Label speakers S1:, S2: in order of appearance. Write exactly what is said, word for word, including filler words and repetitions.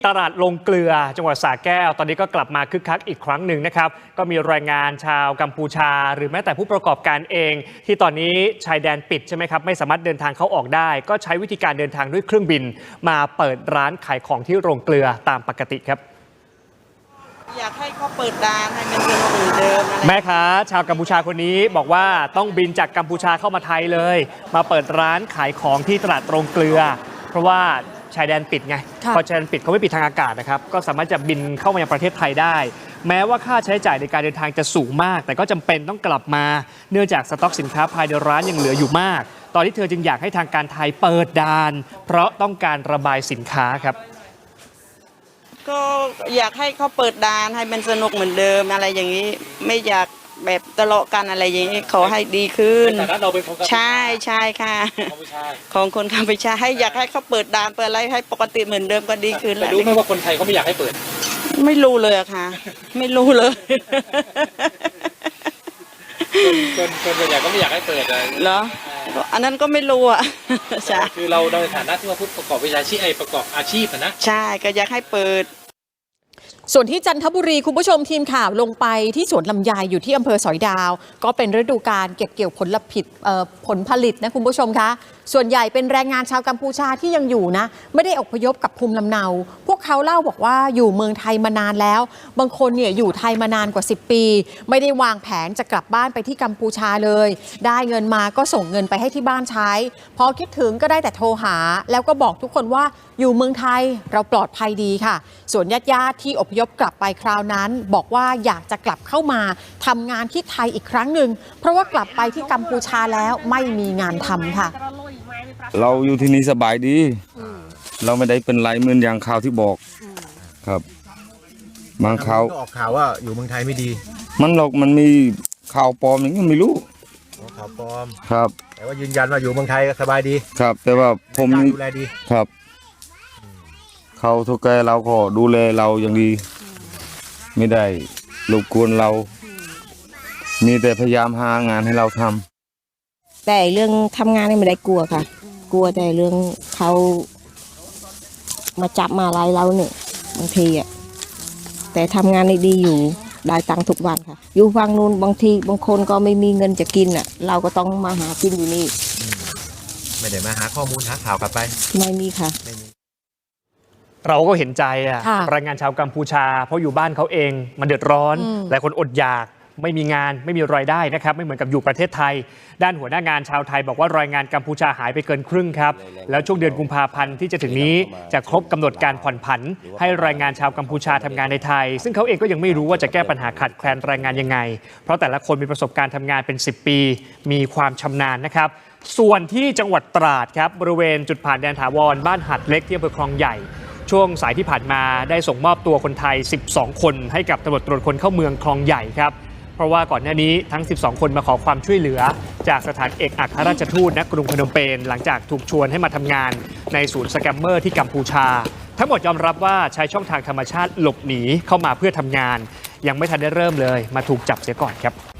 S1: ตลาดลงเกลือจังหวัดสระแก้วตอนนี้ก็กลับมาคึกคักอีกครั้งหนึ่งนะครับก็มีแรงงานชาวกัมพูชาหรือแม้แต่ผู้ประกอบการเองที่ตอนนี้ชายแดนปิดใช่ไหมครับไม่สามารถเดินทางเข้าออกได้ก็ใช้วิธีการเดินทางด้วยเครื่องบินมาเปิดร้านขายของที่โรงเกลือตามปกติครับ
S2: อยากให้เขาเปิดร้านให้มันเป็นเหมือนเดิมแ
S1: ม่ค้าชาวกัมพูชาคนนี้บอกว่าต้องบินจากกัมพูชาเข้ามาไทยเลยมาเปิดร้านขายของที่ตลาดโรงเกลือเพราะว่าชายแดนปิดไงพอชายแดนปิดเขาไม่ปิดทางอากาศนะครับก็สามารถจะบินเข้ามายังประเทศไทยได้แม้ว่าค่าใช้จ่ายในการเดินทางจะสูงมากแต่ก็จำเป็นต้องกลับมาเนื่องจากสต็อกสินค้าภายในร้านยังเหลืออยู่มากตอนนี้เธอจึงอยากให้ทางการไทยเปิดด่านเพราะต้องการระบายสินค้าครับ
S2: ก็อยากให้เขาเปิดด่านให้มันสนุกเหมือนเดิมอะไรอย่างนี้ไม่อยากแบบทะเลาะกันอะไรอย่างนี้ขอให้ดีขึ้นแต่เราเป็นของใช่ใช่ค่ะของคนกัมพูชาให้อยากให้เขาเปิดด่านเปิดอะไรให้ปกติเหมือนเดิมก็ดีขึ้นแล้ว
S3: รู้ไหมว่าคนไทยเขาไม่อยากให้เปิด
S2: ไม่รู้เลยอะค่ะไม่รู้เลย
S3: คนคนส่วนใหญ่ก็ไม่อยากให้เปิดเลย
S2: เหรออันนั้นก็ไม่รู้อะ
S3: ใช่คือเราในฐานะที่ว่าผู้ประกอบวิชาชีพไอประกอบอาชีพนะ
S2: ใช่ก็อยากให้เปิด
S4: ส่วนที่จันทบุรีคุณผู้ชมทีมข่าวลงไปที่สวนลำไยอยู่ที่อำเภอสอยดาวก็เป็นฤดูกาลเก็บเกี่ยวผลผลิตผลผลิตนะคุณผู้ชมคะส่วนใหญ่เป็นแรงงานชาวกัมพูชาที่ยังอยู่นะไม่ได้อพยพกับภูมิลำเนาพวกเขาเล่าบอกว่าอยู่เมืองไทยมานานแล้วบางคนเนี่ยอยู่ไทยมานานกว่าสิบปีไม่ได้วางแผนจะกลับบ้านไปที่กัมพูชาเลยได้เงินมาก็ส่งเงินไปให้ที่บ้านใช้พอคิดถึงก็ได้แต่โทรหาแล้วก็บอกทุกคนว่าอยู่เมืองไทยเราปลอดภัยดีค่ะส่วนญาติๆที่อพยพกลับไปคราวนั้นบอกว่าอยากจะกลับเข้ามาทำงานที่ไทยอีกครั้งหนึ่งเพราะว่ากลับไปที่กัมพูชาแล้วไม่มีงานทำค่ะ
S5: เราอยู่ที่นี่สบายดีเราไม่ได้เป็นไรเหมือนอย่างข่าวที่บอกครับบางข่าว
S6: ออกข่าวว่าอยู่เมืองไทยไม่ดี
S5: มันหรอกมันมีข่าวปลอมอย่างนี้ไม่รู้
S6: ข่าวปลอม
S5: ครับ
S6: แต่ว่ายืนยันว่าอยู่เมืองไทยสบายดี
S5: ครับแต่ว่าผม
S6: ดูแลดี
S5: ครับเขาทุกแกเราก็ดูแลเราอย่างดีไม่ได้รบกวนเรามีแต่พยายามหางานให้เราท
S7: ำแต่เรื่องทำงานนี่ไม่ได้กลัวค่ะกลัวแต่เรื่องเขามาจับมาไล่เราเนี่ยบางทีอ่ะแต่ทำงานได้ดีอยู่ได้ตังค์ทุกวันค่ะอยู่ฝั่งนู้นบางทีบางคนก็ไม่มีเงินจะกินอ่ะเราก็ต้องมาหากินอยู่นี่
S6: ไม่ได้มาหาข้อมูลหาข่าวกลับไป
S7: ไม่มีค่ะ
S1: เราก็เห็นใจอ่ะแรงงานชาวกัมพูชาเพราะอยู่บ้านเขาเองมันเดือดร้อนหลายคนอดอยากไม่มีงานไม่มีรายได้นะครับไม่เหมือนกับอยู่ประเทศไทยด้านหัวหน้างานชาวไทยบอกว่ารายงานกัมพูชาหายไปเกินครึ่งครับแล้วช่วงเดือนกุมภาพันธ์ที่จะถึงนี้จะครบกำหนดการผ่อนผันให้แรงงานชาวกัมพูชาทำงานในไทยซึ่งเขาเองก็ยังไม่รู้ว่าจะแก้ปัญหาขาดแคลนแรงงานยังไงเพราะแต่ละคนมีประสบการณ์ทำงานเป็นสิบปีมีความชำนาญนะครับส่วนที่จังหวัดตราดครับบริเวณจุดผ่านแดนถาวรบ้านหัดเล็กที่อำเภอคลองใหญ่ช่วงสายที่ผ่านมาได้ส่งมอบตัวคนไทยสิบสองคนให้กับตำรวจตรวจคนเข้าเมืองคลองใหญ่ครับเพราะว่าก่อนหน้านี้ทั้งสิบสองคนมาขอความช่วยเหลือจากสถานเอกอัครราชทูตณกรุงพนมเปญหลังจากถูกชวนให้มาทำงานในศูนย์สแกมเมอร์ที่กัมพูชาทั้งหมดยอมรับว่าใช้ช่องทางธรรมชาติหลบหนีเข้ามาเพื่อทำงานยังไม่ทันได้เริ่มเลยมาถูกจับเสียก่อนครับ